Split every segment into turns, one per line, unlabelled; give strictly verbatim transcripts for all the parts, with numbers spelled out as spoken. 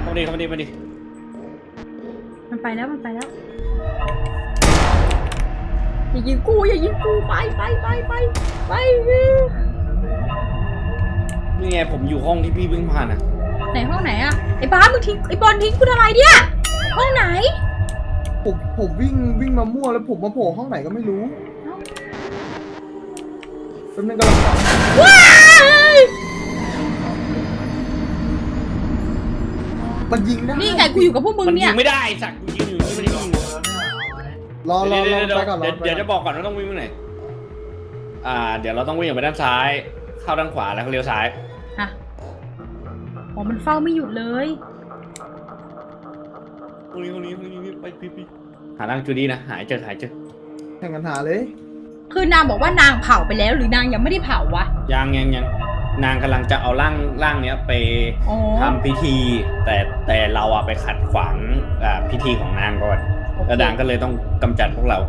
ามาดิเข้ามาดิมาดิ
มันไปแล้วมันไปแล้วอย่ายิงกูอย่ายิงกูไปไปไปไปไป
นี่ไงผมอยู่ห้องที่พี่เพิ่งผ่านอ่ะ
ไหนห้องไหนอะไอ้บ้ามึงทิ้งไอ้บอลทิ้งกูทำไมเนี่ยห้องไหน
ผมผมวิ่งวิ่งมามั่วแล้วผมมาโผล่ห้องไหนก็ไม่รู้เป็นกำลัง
ว้าย
มันยิงได้
นี่ไงกูอยู่กับพวกมึงเนี่ย
มันยิงไม่ได้สักกูยิงอยู่นี่ไม่ได้ยิง
รอรอรอไปก่อน
เดี๋ยวจะบอกก่อนว่าต้องวิ่งไปไหนอ่าเดี๋ยวเราต้องวิ่งไปด้านซ้ายเข้าด้านขวาแล้วเลี้ยวซ้าย
ฮะอ๋อมันเฝ้าไม่หยุดเลย
ตรงนี้ตรงนี้ตรงนี้ไปพี่พี่หาร่างจูดี้นะหายเจอหายเจอ
แข่งกันหาเลย
คือนางบอกว่านางเผาไปแล้วหรือนางยังไม่ได้เผาวะ
ยังยังยังนางกำลังจะเอาร่างร่างเนี้ยไปทำพิธีแต่แต่เราอะไปขัดขวางอ่าพิธีของนางก่อนแล้วนางก็เลยต้องกำจัดพวกเรา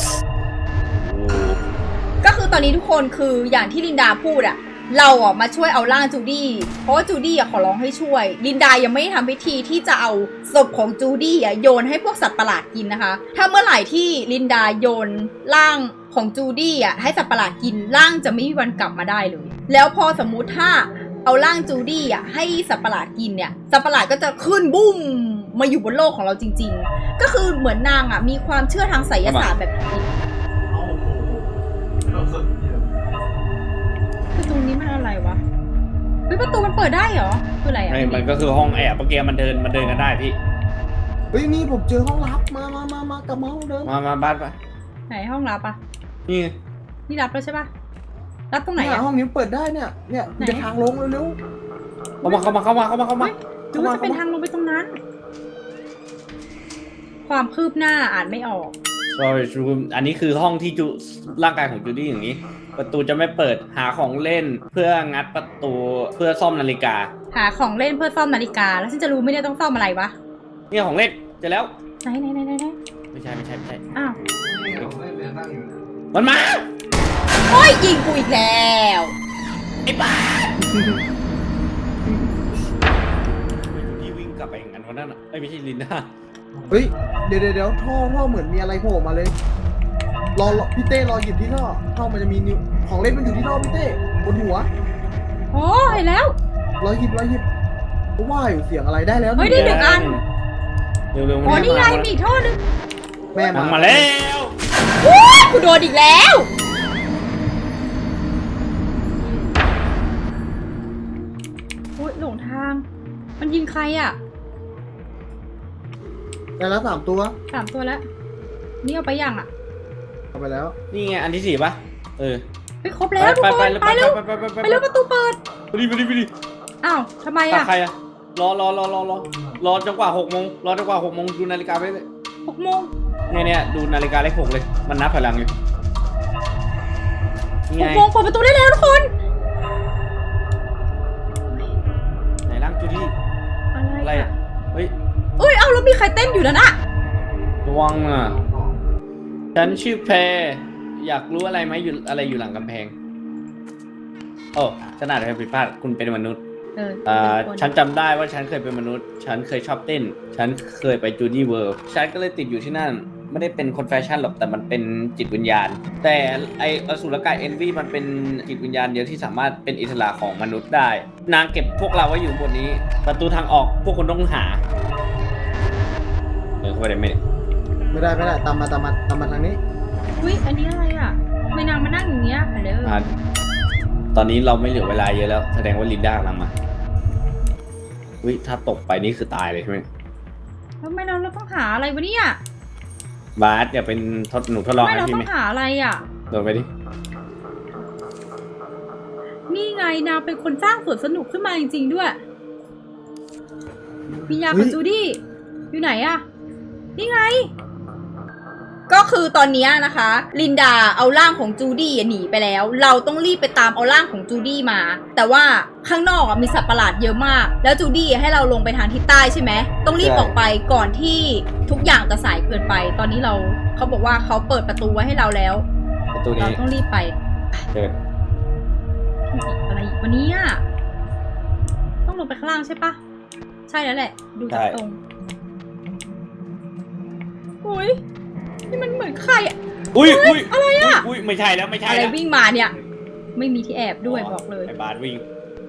ก็คือตอนนี้ทุกคนคืออย่างที่ลินดาพูดอะเราอ่ะมาช่วยเอาร่างจูดี้เพราะว่าจูดี้อ่ะขอร้องให้ช่วยลินดายังไม่ได้ทำพิธีที่จะเอาศพของจูดี้อ่ะโยนให้พวกสัตว์ประหลาดกินนะคะถ้าเมื่อไหร่ที่ลินดาโยนร่างของจูดี้อ่ะให้สัตว์ประหลาดกินร่างจะไม่มีวันกลับมาได้เลยแล้วพอสมมุติถ้าเอาร่างจูดี้อ่ะให้สัตว์ประหลาดกินเนี่ยสัตว์ประหลาดก็จะขึ้นบุ้มมาอยู่บนโลกของเราจริงๆก็คือเหมือนนางอ่ะมีความเชื่อทางไสยศาสตร์แบบนี้ประตูนี้มันอะไรวะเฮ้ยประตูมันเปิดได้เหรอคืออะไรอ่ะ
ไม่มันก็คือห้องแอบเมื่อกี้มันเดินมันเดินกันได้พี่
เฮ้ยนี่ผมเจอห้องลับมามามามากลับมาห้องเดิม
มามาบ้านไป
ไหนห้องลับอ่ะ
นี่
นี่รับแล้วใช่ปะรับตรงไหนอ่ะ
ห้องนี้เปิดได้เนี่ยเนี่ยจะทางลงเร็ว
ๆเข้ามาเข้ามาเข้ามาเข้ามาเข้ามา
ดูว่าจะเป็นทางลงไปตรงนั้นความคืบหน้าอ่านไม่ออก
sorry อันนี้คือห้องที่จูร่างกายของจูดี้อย่างนี้ประตูจะไม่เปิดหาของเล่นเพื่องัดประตูเพื่อซ่อมนาฬิกา
หาของเล่นเพื่อซ่อมนาฬิกาแล้วฉันจะรู้ไม่ได้ต้องซ่อมอะไรวะ
นี่ของเล่นเจอแล้ว
ไหนไหนไหนไหน
ไม่ใช่ไม่ใช่ไม่ใช่
อ้าว
มันมา
โอ้ยยิงกูอีกแล้ว
ไอ้บ้าพี่วิ่งกลับไปอย่างนั้นวันนั้นอ่ะไม่ใช่ลินดา
เฮ้ยเดี๋ยวเดี๋ยวท่อท่อเหมือนมีอะไรโผล่มาเลยรอพี่เต้รอหยิบที่ท่อท่อมันจะมีนิ้วของเล่นมันอยู่ที่ท่อพี่เต้บนหัว
โอ้ยแล้ว
รอหยิบรอหยิบว่าอยู่เสียงอะไรได้แล้ว
เฮ้ยได้หนึ่งอัน
เร็วๆ
อ๋อนี่ไงมีอีกท่อนึง
แม่
มาแล้ว
โอ้ยกูโดนอีกแล้วโอ้ยหลงทางมันยิงใครอ่ะ
ได้แล้วสามตัว
สามตัวแล้วนี่เอาไปยังอ่ะ
เอาไปแล้ว
นี่ไงอันที่สี่ปะเออ
ไปครบแล้วทุกคนไปเร็วไปเร็วประตูเปิด
ไปดิไปดิไปดิ
อ้าวทำไมอ่ะ
ใครอ่ะรอรอรอรอรอรอจนกว่าหกโมงรอจนกว่าหกโมงดูนาฬิกาไปเลย
หกโมง
เนี่ยเนี่ยดูนาฬิกาเลขหกเลยมันนับพลังอยู่
หกโมงเปิดประตูได้แล้วทุกคน
ไหนร่างจูดี้
อะไรอ่ะ
เฮ้ย
เอ้ยเอาแล้วมีใครเต้นอยู่แล้วนะ
ระวังอ่ะฉันชื่อแพรอยากรู้อะไรไหมอยู่อะไรอยู่หลังกำแพงโอ้ฉันอาจจะผิดพลาดคุณเป็นมนุษย์เอ่อฉันจำได้ว่าฉันเคยเป็นมนุษย์ฉันเคยชอบเต้นฉันเคยไปจูดี้เวิลด์ฉันก็เลยติดอยู่ที่นั่นไม่ได้เป็นคนแฟชั่นหรอกแต่มันเป็นจิตวิญญาณแต่ไออสุรกายเอนวีมันเป็นจิตวิญญาณเดียวที่สามารถเป็นอิสระของมนุษย์ได้นางเก็บพวกเราไว้อยู่บนนี้ประตูทางออกพวกคุณต้องหาเออเข้าไปได้ไหม
ไม่ได้ไม่ได้ตามมาตามมาตามมาทางนี้
อุ้ยอันนี้อะไรอ่ะไม่นางมานั่งอย่างเงี้ยค่ะเด้อ
ตอนนี้เราไม่เหลือเวลาเยอะแล้วแสดงว่าลินดากำลังมาอุ้ยถ้าตกไปนี่คือตายเลยใช่ไหม
ทำไมเราเราต้องหาอะไรวะเนี่ย
บาสอย่าเป็นทดหนูทดลอง
ให้พี่ไหมเราต้องหาอะไรอ่ะ
โดนไปดิ
นี่ไงนางเป็นคนสร้างสวนสนุกขึ้นมาจริงๆด้วยพิญญากับจูดี้อยู่ไหนอ่ะนี่ไงก็คือตอนนี้นะคะลินดาเอาร่างของจูดี้หนีไปแล้วเราต้องรีบไปตามเอาร่างของจูดี้มาแต่ว่าข้างนอกมีสัตว์ประหลาดเยอะมากแล้วจูดี้ให้เราลงไปทางทิศใต้ใช่ไหมต้องรีบออกไปก่อนที่ทุกอย่างจะสายเกินไปตอนนี้เราเขาบอกว่าเขาเปิดประตูไว้ให้เราแล้วเราต้องรีบไป
เกิด
อะไรอีกวันนี้อ่ะต้องลงไปข้างล่างใช่ปะใช่แล้วแหละ ดูจากตรงโอ้ยนี่มันเหมือนใครอะ
อุ้ยอุ้ย
อะไรอะ
อุ้ยไม่ใช่แล้วไม่ใช่
อะไร
แล้ว
วิ่งมาเนี่ย ไม่มีที่แอบด้วยบอกเลย
ไอ้บาสวิ่ง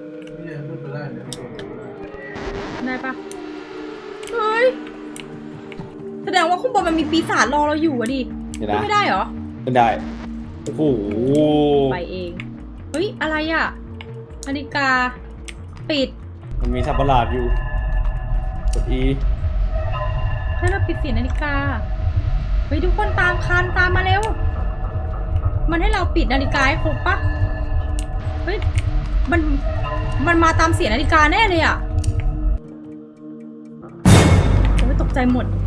ได้ปะเฮ้ยแสดงว่าข้างบนมันมีปีศาจรอเราอยู่อะดิ
เดี๋ยว
ขึ้น
นะ
ไม่ได้เหรอ
ไม่ได้โอ้โห
ไปเองเฮ้ยอะไรอะนาฬิกาปิด
มันมีสัตว์ประหลาดอยู่กด E
ให้เราปิดเสียงนาฬิกาเฮ้ยทุกคนตามคันตามมาเร็วมันให้เราปิดนาฬิกาให้ครบปะเฮ้ยมันมันมาตามเสียงนาฬิกาแน่เลยอะโอ้ยตกใจหมด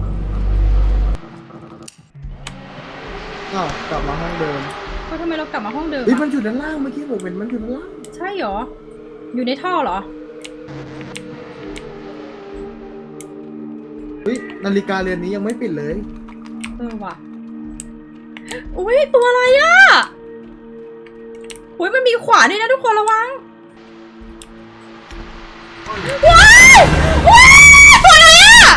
อ้าวกลับมาห้องเดิม
ก็ทำไมเรากลับมาห้องเดิม
เฮ้ย
อะ
มันอยู่ด้านล่างเมื่อกี้ผมเป็นมันอยู่ด้านล่าง
ใช่เหรออยู่ในท่อเหรอ
เฮ้ยนาฬิกาเรือนนี้ยังไม่ปิดเลย
เออว่ะอุ้ยตัวอะไรอะอุ้ยมันมีขวานด้วยนะทุกคนระวังว้ายว้ายตัวอะไรอะ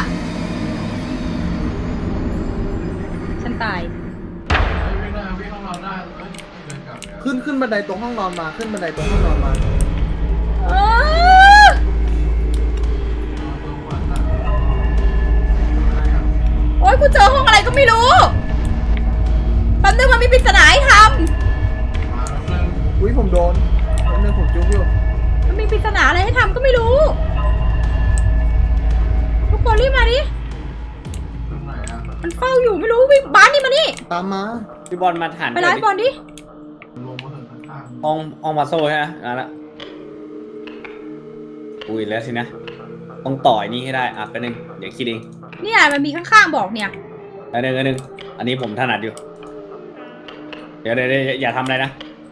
ฉันตาย
ขึ้นขึ้นบันไดตรงห้องนอนมาขึ้นบันไดตรงห้องนอนมา
เออโอ๊ยกูเจอห้องอะไรก็ไม่รู้แป๊บนึงมันมีปริศนาให้ท
อุ้ยผมโดนผมนึงผมจุ๊บอยู่
ำมันมีปริศนาอะไรให้ทำก็ไม่รู้ ทุกคนรีบมาดิมันเฝ้าอยู่ไม่รู้วิ่งบ้านนี่มานี่
ตามมา
พี่บอลมาหัน
ไปไล่บอลดิ
ห้องห้องมาโซ่ใช่ไหมนั่นละอุ้ยแล้วสินะต้องต่อยนี่ให้ได้อ่ะไปหนึ่งเดี๋ยวคิดเอง
เนี่ยมันมีข้างๆบอกเนี่ย
อันหนึ่งอันหนึ่งอันนี้ผมถนัดอยู่ เดี๋ยวเดี๋ยวเดี๋ยวอย่าทำอะไรนะ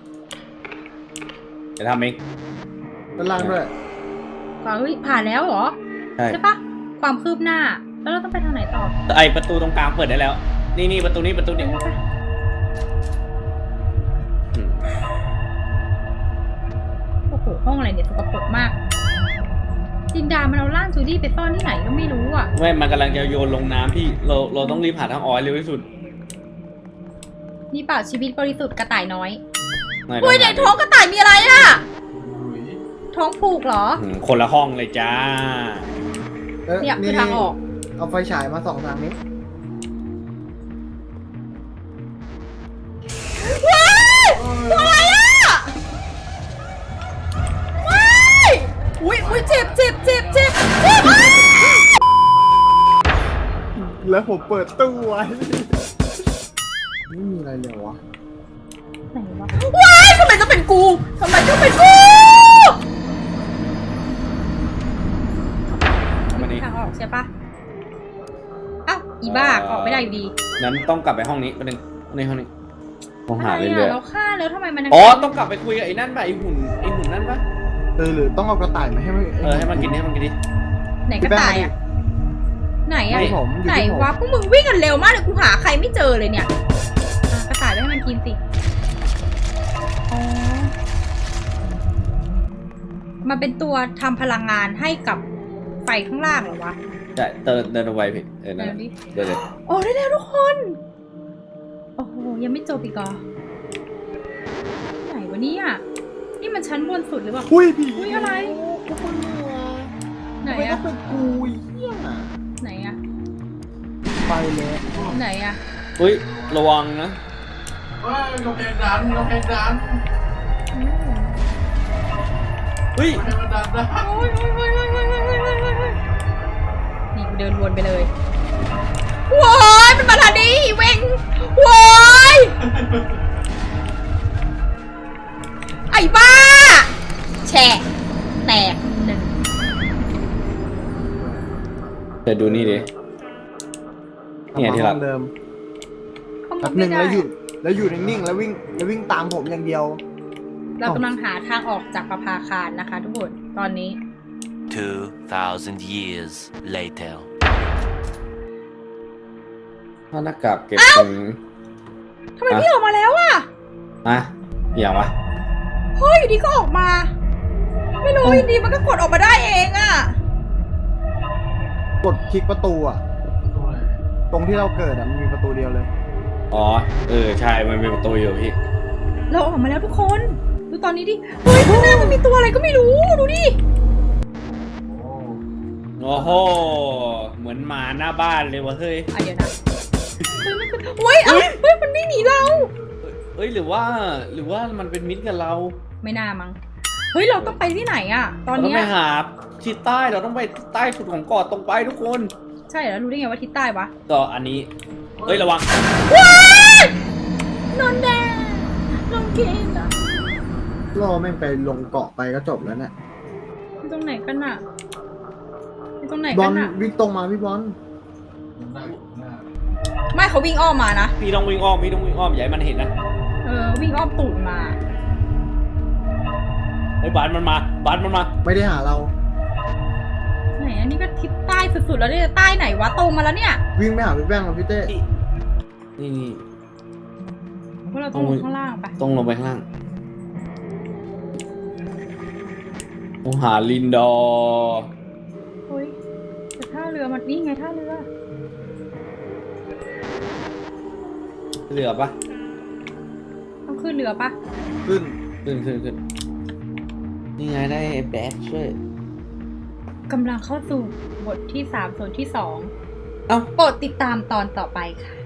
อย่าทำเอง
ด้านล่างด้วย
ก็เฮ้ยผ่านแล้วเหรอ
ใช่
ใช่ปะความคืบหน้า แล้วเราต้องไปทางไหนต่อ
ไอประตูตรงกลางเปิดได้แล้ว นี่นี่ประตูนี้ประตูนี้
ไป
อืม
โอ้โหห้องอะไรเนี่ยสกปรกมากจินดามันเอาร่างจูดี้ไปซ่อนที่ไหนก็ไม่รู้อ่ะ
ไม่มันกำลังจะโยนลงน้ำพี่เราเราต้องรีบหาทางออกให้เร็วที่สุด
นี่เปล่าชีวิตบริสุทธิ์กระต่ายน้อย
ไม่
อุ้ยในท้องกระต่ายมีอะไรอ่ะ ท้องผูกเหรอ
อืมคนละห้องเลยจ้า
อ้
เนี่ยคือทางออก
เอาไฟฉายมาส่องทางนี้
ว้ายตัวอะไรอ่ะว้ายอุ้ยอุ้ยเจ็บเจ็บเจ็บเจ็บเจ็บอ้าว
แล้วผมเปิดตู้ไว้ไม่มีอะไรเลยวะ
ไหนวะว้ายทำไมต้องเป็นกูทำไมต้องเป็นกู
มานี่
ทางออกใช่ปะอ้าวอีบ้าออกไม่ได้อยู่ดี
นั้นต้องกลับไปห้องนี้ประเด็นในห้องนี้ต้องหา
อะไร
เรื่อ
อ่ะ
ย
เราฆ่าแล้วทำไมมันยัง
ๆอ๋อต้องกลับไปคุยกับไอ้นั่นป่ะไอ้หุ่นไอ้หุ่นนั่นป่ะ
เออหรือต้องเอากระต่ายมาให้มัน
เออให้มันกินให้มันกินดิ
ไหนกระต่ายอ่ะไหนอ่ะ
ที่ผมอยู่
ไหน
ที่ผม
วะพวกมึงวิ่งกันเร็วมากเลยกูหาใครไม่เจอเลยเนี่ยอ่ะกระต่ายไปให้มันกินสิอ๋อมันเป็นตัวทำพลังงานให้กับไฟข้างล่างเหรอวะ
ใช่เดินเดินเอาไว้พี่เออนั่น
เดี๋
แห
ยว
ละ
ดิ
เดินเลย
โอ้ได้แล้วทุกคนโอ้โหยังไม่จบอีกเหรอไหนวะเนี่ยนี่มันชั้นบนสุดหรือเปล่า
อุ้ยผี
อุ้ยอะไร
ทุกคนเหนื่อย
ไหน
ไม่ต้อ
อะ
งเป็นกูเหี้ย
ไหนอะ
ไปเลย
ไหนอะ
อุ้ยระวังนะ
เฮ้ยกำแพงดันกำแพงดัน
อืม
เฮ้ย
กำแพงมันดันนะ
โอ้ยโอ้ยโอ้ยโอ้ยโอ้ยโอ้ยโอ้ยโอ้ยโอ้ยนี่กูเดินวนไปเลยว้ายมันมาทางนี้อีเวงว้ายไอ้บ้า แฉะแตกหนึ่ง
เดี๋ยวดูนี่ดิ เนี่ยที่รัก
ห้องเดิม
เข้า
แป๊
มา
บห
ไม่
นึ่ง
ได้
แล้วหยุดแล้วอยู่นิ่งๆแล้ววิ่งแล้ววิ่งตามผมอย่างเดียว
เรากำลังหาทางออกจากประภาคารนะคะทุกคนตอนนี้
Two thousand years later.
ถ้าหน้ากากเก็บตรง
ทำไมพี่ออกมาแล้วอะ
อ่ะอย่างวะ
เฮ้ยอยู่ดีก็ออกมา ไม่รู้อยู่ดีมันก็กดออกมาได้เองอะ
กดคลิกประตูอ่ะ
ตัวอะไร
ตรงที่เราเกิดอ่ะมันมีประตูเดียวเลย
อ๋อเออใช่มันมีประตูอยู่พี่
เราออกมาแล้วทุกคน ดูตอนนี้ดิ เฮ้ยข้างหน้ามันมีตัวอะไรก็ไม่รู้ ดูดิ
โอ้
โอ้โหเหมือนหมาหน้าบ้านเลยวะเฮ้ย
อ่ะเดี๋ยวนะ เฮ้ยมันคือเฮ้ย เอ้าเฮ้ย มันไม่หนีเรา
เอ้ยหรือว่าหรือว่ามันเป็นมิตรกับเรา
ไม่น่ามั้ง เฮ้ย เราต้องไปที่ไหนอะตอน
เราต้อง
เนี้ย
ไปหาทิศใต้เราต้องไปใต้สุดของเกาะตรงไปทุกคน
ใช่แล้วรู้ได้ไงว่าทิศใต้วะ
ก็อันนี้เฮ้ยระวัง
นอนแดงลองเกมอะ
ล่อแม่งไปลงเกาะไปก็จบแล้วเนี่ย
อยู่ตรงไหนกันอะอยู่ตรงไหน
บอ
กั
ล
นอะ
วิ่งตรงมาพี่บอล
มันได้อยู่ข้างหน้า
ไม่เขาวิ่งอ้อมมานะ
พี่ต้องวิ่งอ้อมพี่ต้องวิ่งอ้อมอย่าให้มันเห็นนะ
เออ วิ่งอ้อมตูดมา
เฮ้ยบานมันมาบานมันมา
ไม่ได้หาเรา
ไหนอันนี้ก็ทิศใต้สุดๆแล้วเนี่ยใต้ไหนวะตรงมาแล้วเนี่ย
วิ่งไม่หาพี่แป้งหรอกพี่เต้
นี่นี่
พวกเราต้องลงข้างล่างไป
ต้องลงไปข้างล่างต้องหาลินดอร์
เฮ้ยแต่ท่าเรือมันนี่ไงท่าเรือ
เหลือปะ
ต้องขึ้นเรือปะ
ขึ้น
ขึ้นขึ้นขึ้นนี่ไงได้แบทช่วย
กำลังเข้าสู่บทที่สามส่วนที่สอง
เอ้า
โปรดติดตามตอนต่อไปค่ะ